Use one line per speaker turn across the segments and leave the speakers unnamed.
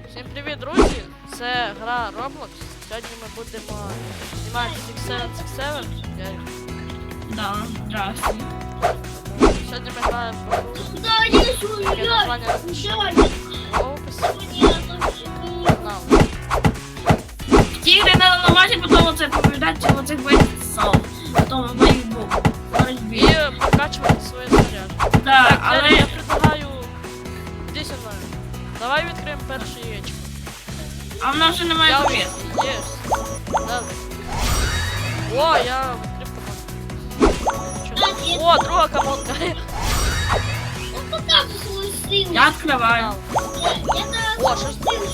Всім привіт, друзі! Це гра Roblox. Сьогодні ми будемо знімати 6767.
Да, здравствуй.
Сьогодні ми граємо в гру. Яке названня в описі. Нам.
Тигры надо намазать, потом вот это побеждать, вот этих бойцов. Потом в борьбе.
І прокачувати своє снаряд.
Да,
Так,
але...
я предлагаю... Іди зі мною. Давай відкриємо перше яєчко.
А в нас же немає
Я
повітря.
Єс. Давай. О, я відкрив команду. О, друга команда.
Я открываю.
О, що ж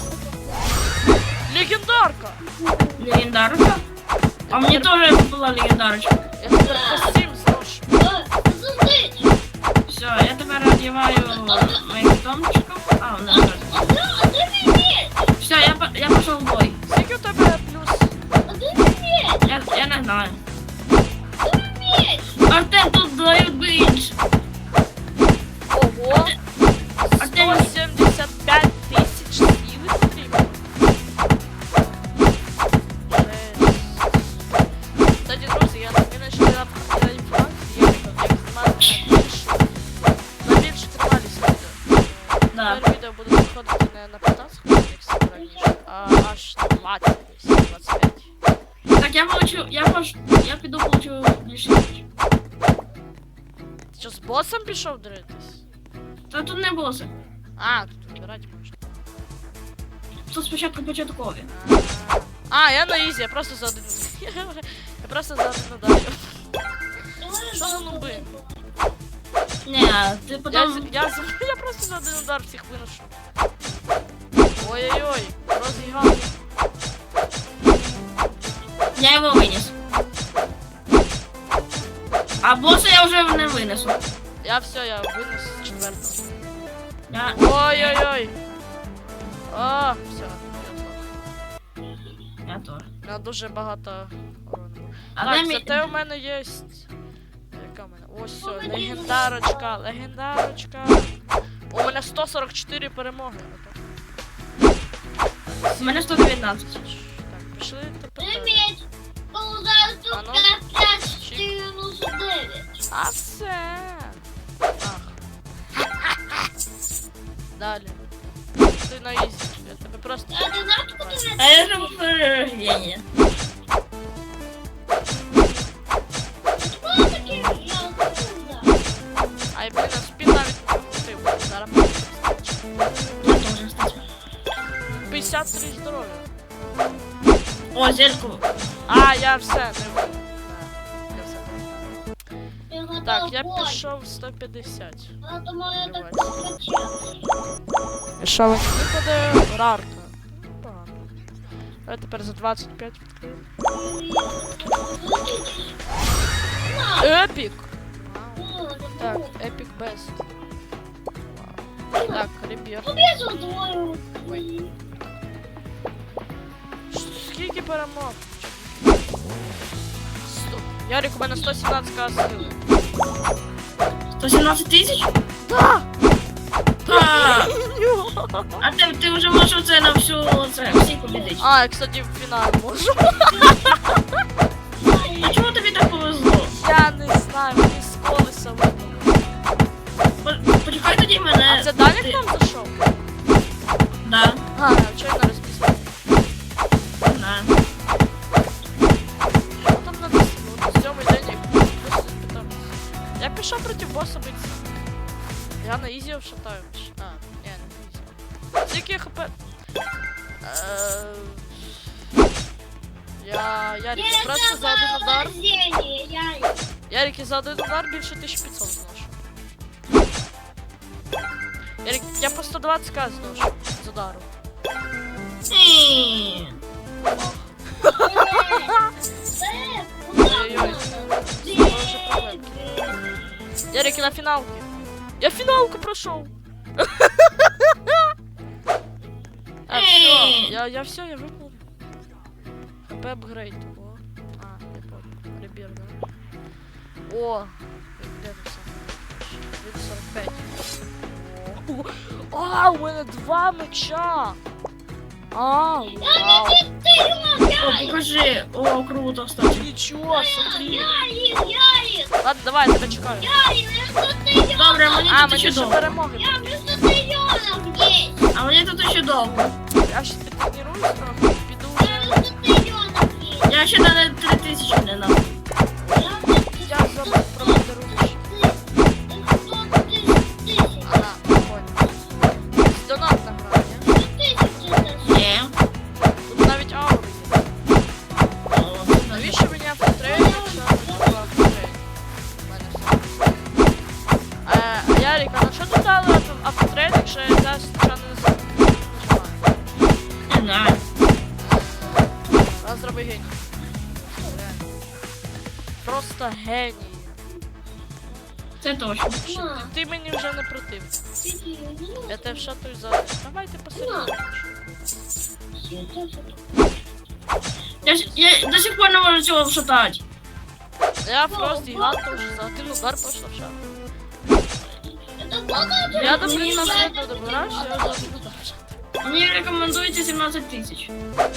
легендарка!
Легендарка. А мне тоже была легендарочка.
Я тепер костюм зношу.
Все, я теперь одеваю моих домчиков. А, у нас тоже. Все, я пошел в бой.
Скільки у тебе плюс?
Я не знаю. Артем, тут дают бить.
Ого!
Артем,
175 тисяч сили потрібно. Кстати, друзі, я знайшла на інформацію, як знімати на більше тривалість відео.
да.
Тепер відео буде виходити не на 15 хвилин, як всі раніше, а аж на 20, 25.
Так, я піду получу більше.
Ти що, з босом пішов дритись?
Та тут не боси.
А, тут вибирати можна.
Тут спочатку початкові.
А, я на ізі, я просто за один. Я просто за один ударю. Що за нуби?
Ні, ти потім...
Я просто за один удар всіх виношу. Ой-ой-ой, розігав.
Я його виніс. А боса я вже не винесу.
Я все, я винес четвертого.
Я...
Ой-ой-ой. А, все.
Я теж.
Я дуже багато урону.
А
Так,
де
зате у мене є... Яка в мене? Ось все, легендарочка, легендарочка. У мене 144 перемоги.
У мене 119.
Так, пішли тепер. А все. Ах. Далі. Ти на ізі. Я тебе просто...
А я же в перерождении.
Ай, блін, а спін навіть не покрутив. Зараз
Я тоже, кстати.
53 здоров'я.
О, зельку.
А, я все, не вийду. Я все пройшов. Так, я пішов 150. І що мені випаде? Рарка. Погано. Давай тепер за 25 відкриємо. Епік! Так, Epic Best. Вау. Так, Ребір. Ой. Скільки перемог? Ярик, у мене 117к сили.
117 тысяч?
Да!
А ти вже можеш оце на всі побідити.
А, я, кстати, в фінал можу.
А чому тобі так повезло?
Я не знаю, мені з колеса випало.
Почекай тоді мене.
А це Даня к нам зайшов?
Да.
А, чого я не розписав?
Да.
Що там написано? От сьомий день як просто питався. Я пішов проти боса битися. Я на ізі вшатаю. А, ні, не на ізі. Скільки хп? Ярик, я просто за один удар. Ярик, я за один удар більше 1500 зношу. Ярик, я по 120к зношу з удару. Ой-ой-ой. Дуже проблемки. Ярик, я на фіналки. Я фіналку пройшов. А, все, я все, я выполнил. ХП апгрейд. О. А, я понял. Ребер, да? О, где ты сам? 45. О, а, у мене 2 меча. Вау.
О, покажи. О, круто, кстати.
Нічого, смотри.
Ярик,
Ладно, давай, я тебе чекаю.
Добре, мені
А,
тут
мені
ще
ще
довго.
перемоги.
я вместо триллионов есть.
А мені тут ще довго.
Я ще підтренуюсь трохи, піду вже.
Вместо триллионов есть.
Я ще на 3000 не надо.
Я забув про подарунки. Ага, понял. Донатна гра, ні?
Ні.
Тут навіть аури є. Навіщо мені автотрейд, якщо не треба автотрейд? У мене все. Ярик, а на що ти дали автотрейд, якщо я зараз нічого не нажимаю?
Не знаю.
Раз зроби геній. Реально. Просто геній.
Це точно.
Ти мені вже не против. Я тебе вшатую за... Давайте посередині.
Я до сих пор не можу цього вшатати.
Я просто гад тоже за один удар пошла в шаг. Я до принца не добираюсь, я за один удар в шаг.
Мені рекомендується 17 тисяч.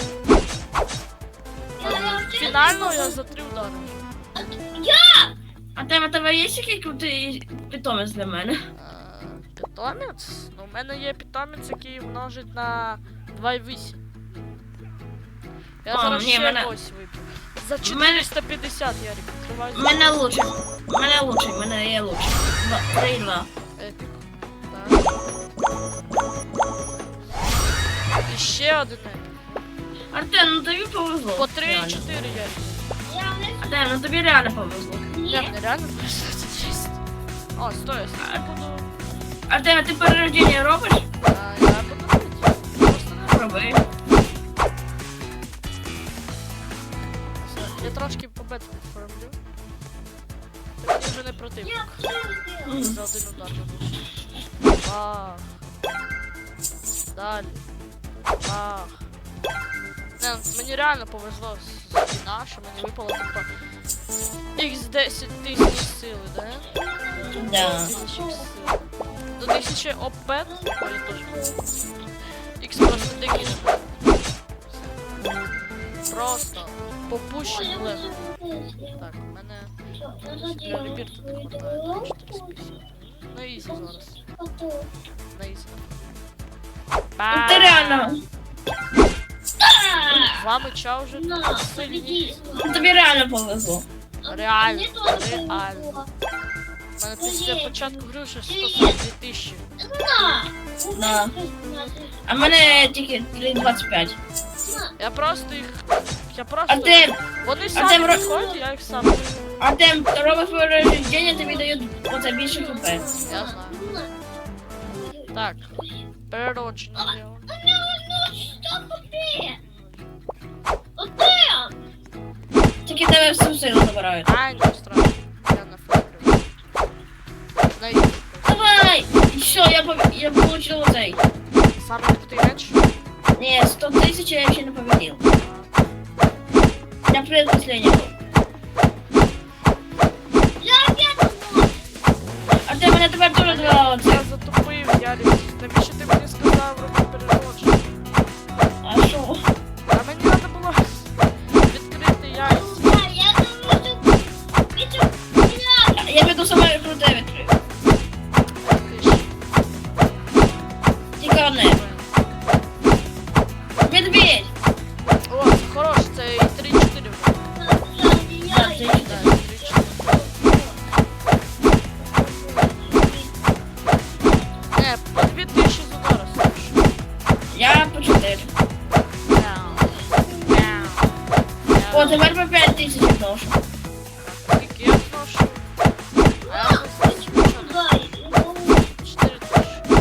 Фінально я за 3 удари.
А тебе є який крутий питомець для мене?
Питомець? Ну, у мене є питомець, який множить на 2,8. Я
А,
зараз
ні,
ще
мене-
ось виб'ю. За
В мене-
450, Ярик, відкривай.
Мене лучший, мене є лучший. 3-2.
Епік. Так. І ще один епік.
Артем, ну тобі повезло.
По 3 і
Реально.
4, Ярик.
Артем, ну тобі реально повезло.
Я не реально просто це чисто. О, стой, я буду...
Артем, ти перерождення робиш?
Я буду робити. Просто не роблю.
Роби.
Я трошки по бету підформлю. Ти мені вже не противник. За один удар забув. Бах. Далі. Бах. Не, ну, мені реально повезло з війна, що мені випало типа X10 тисяч сили, да?
Да.
1000 сили. До 1000 опет, ой, я теж. X просто дикий. Просто попущений легко. Так, у мене для Ребір тут не хватає 450. На ізі зараз. На ізі.
Ну ти реально.
Два меча вже сильні.
Ну тобі реально повезло.
Реально, реально. У мене після початку гри вже 142 тисячі.
Да. А в мене тільки 3,25.
Я просто їх... Я просто...
Артем,
Вони
Артем,
самі виходять, я їх сам...
Артем, робиш перерождення, тобі дають оце більше хп.
Я знаю. Так. Переродження зробимо.
Тільки тебе всю силу забирають.
А, не страшно. Я на фабрику. На ізі.
Давай! І все, я получил оцей.
Саме крутий меч.
Не, 100 тысяч я еще не победил. Я предпоследний был. А ты меня тепер тоже два оце.
Я затупив, Ярик. Навіщо ти мені сказав робити переродження?
А що?
А мені треба було відкрити яйця.
Я піду саме круте відкрив. Тільки одне. Медведь!
О, це хороше, це і 3-4 вже.
Да, це
Да, 3-4. Не, по 2000 з удара слушай.
Я по 4. О, тепер по 5 тисяч вношу.
Скільки я зношу? А я вже зношу 4 тисячі.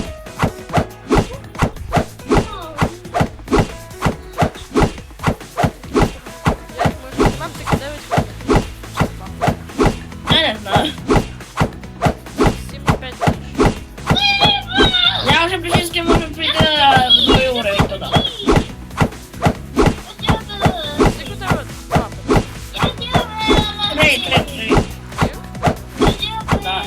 Як ми нам таки 9 хвилин.
Я не знаю.
7-5 тисяч.
Я вже практично можу прийти на другий уровень туди.
Скільки у тебе лапи?
3. Да.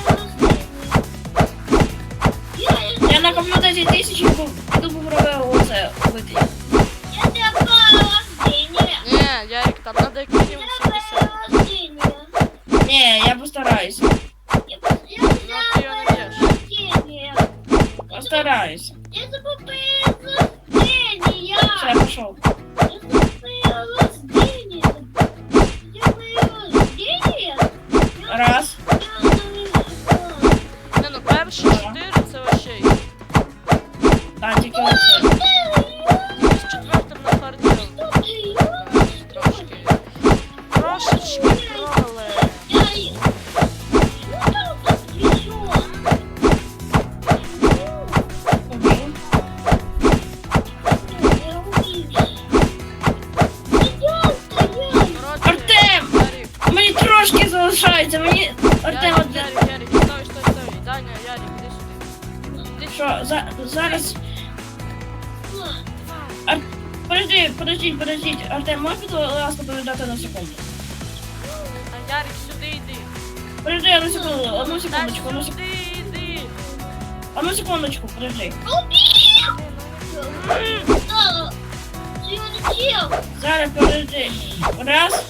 Я накоплю 10 тисяч і піду попробую оце убити. пішов.
Это твое рождение. Я твое рождение.
Раз.
Не, ну перші 4 це вообще.
Так, тільки оце.
З четвертим на харді. Трошечки провали.
Убив.
Коротше,
Артем!
Ярик,
Мені трошки залишається, мені... Артем,
Ярик, Ярик, стой, стой, стой. Даня, Ярик, іди сюди. Іди
що, зараз... Подождіть. Артем, можеш, будь ласка, передати на секунду?
А Ярик, сюди йди.
Подожди, одну секундочку,
Дай сюди йди.
одну секундочку, подожди. Зараз, подожди. Раз.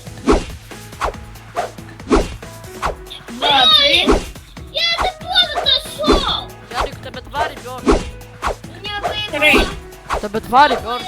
Два, три.
Я это поздно нашел!
Ярик, у тебе 2 ребенка.
Меня
Три.
поймал.
У тебе 2 ребенка.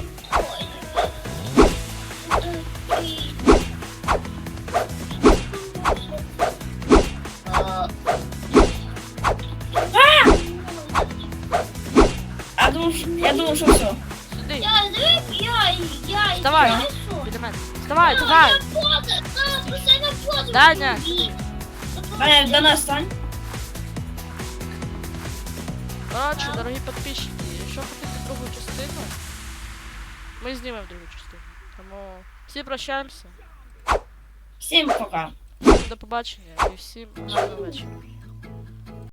Я думал, что все.
Сюди.
Я жив, я
Вставай.
несу.
Біля мене. Вставай, давай.
Я поздно, да, постоянно поздно.
Даня.
Даня, до нас стань.
Коротше, дорогі підписчики, якщо хотите другу частину, ми знімемо другу частину. Тому всі прощаємося.
Всем пока.
До побачення і всім гарного вечора.